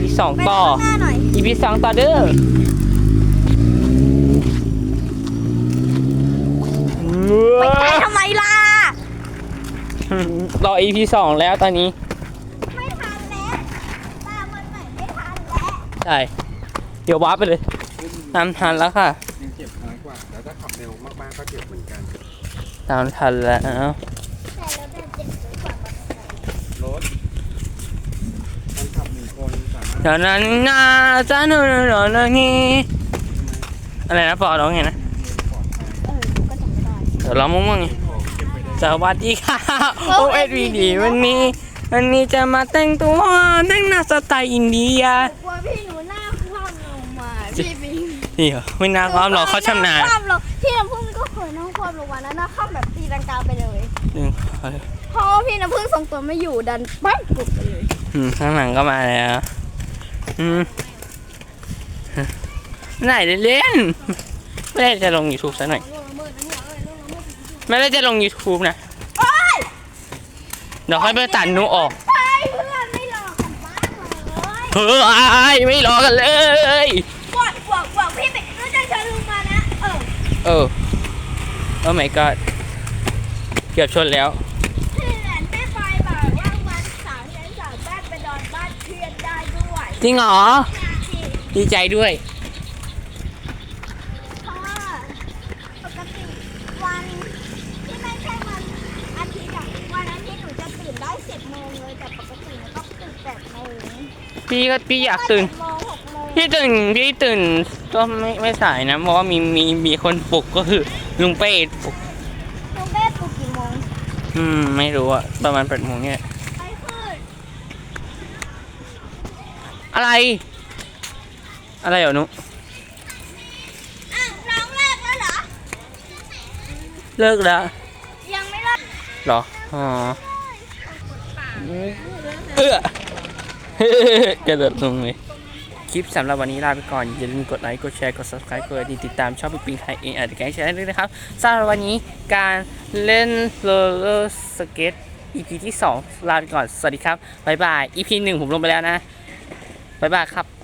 2ต่อ EP 2ต่อเด้อไปไกลทำไมล่ะรอ EP 2แล้วตอนนี้ไม่ทันแล้วตามมันใหม่ไม่ทันแล้วใช่เดี๋ยววาร์ปไปเลยตามทันแล้วค่ะยังเจ็บน้อยกว่าแล้วถ้าขับเร็วมากๆก็เจ็บเหมือนกันตามทันแล้วแต่แล้วแบบเจ็บน้อยกว่ารถคนขับ1 คนสามารถเดี๋ยวนั้นนะจ้าหนูนี่อะไรนะปอร้องไงนะก็จำไม่ได้เดี๋ยวร้องมั่วๆไงสวัสดีค่ะ OSVD วันนี้จะมาแต่งตัวแต่งหน้าสไตล์อินเดียกลัวพี่หนูหน้าคว่ำลงมาพี่บิงนี่เหรอไม่น่าความหรอกเขาชำนาญพี่น้ำพึ่งก็เคยนั่งคว่ำลงมาแล้วหน้าคว่ำแบบตีลังกาไปเลยเพราะพี่น้ำพึ่งทรงตัวไม่อยู่ดันปั๊บกลุบไปเลยข้างหลังก็มาแล้วไหนเล่นไม่ได้จะลง YouTube ซะหน่อยไม่ได้จะลง YouTube นะเดี๋ยวค่อยไปตัดนูออกเพื่อนไม่รอกันบ้างเลยเฮ้ยไม่รอกันเลยบอกพี่ไปรู้จักเชิญลุงมานะโอ้ my god เกือบชนแล้วเพื่อนแม่ไฟบอกว่าวันเสาร์นี้สามารถไปนอนบ้านเพื่อนได้ด้วยจริงเหรอดีใจด้วยเพราะว่าปกติวันที่ไม่ใช่วันอาทิตย์วันอาทิตย์หนูจะตื่นได้10 โมงเลยแต่ปกติหนูต้องตื่น8 โมงพี่อยากตื่นพี่ตื่นก็ไม่สายนะเพราะว่ามีคนปลุกก็คือลุงเป้ปลุกลุงเป้ปลุกกี่โมงไม่รู้อะประมาณ8 โมงเนี่ยไปขึ้นอะไรเหรอนุน้องเลิกแล้วเหรอเลิกแล้วยังไม่เลิกเหรออ๋อกระโดดลงเลยคลิปสำหรับวันนี้ลาไปก่อนอย่าลืมกดไลค์กดแชร์กด subscribe กดติดตามช่องปิ๊งปิ๊งไทยเองอาจจะแกล้งแชร์ได้ด้วยนะครับสำหรับวันนี้การเล่นโรลเลอร์สเก็ต EP ที่ 2ลาไปก่อนสวัสดีครับบ๊ายบาย EP 1ผมลงไปแล้วนะบ๊ายบายครับ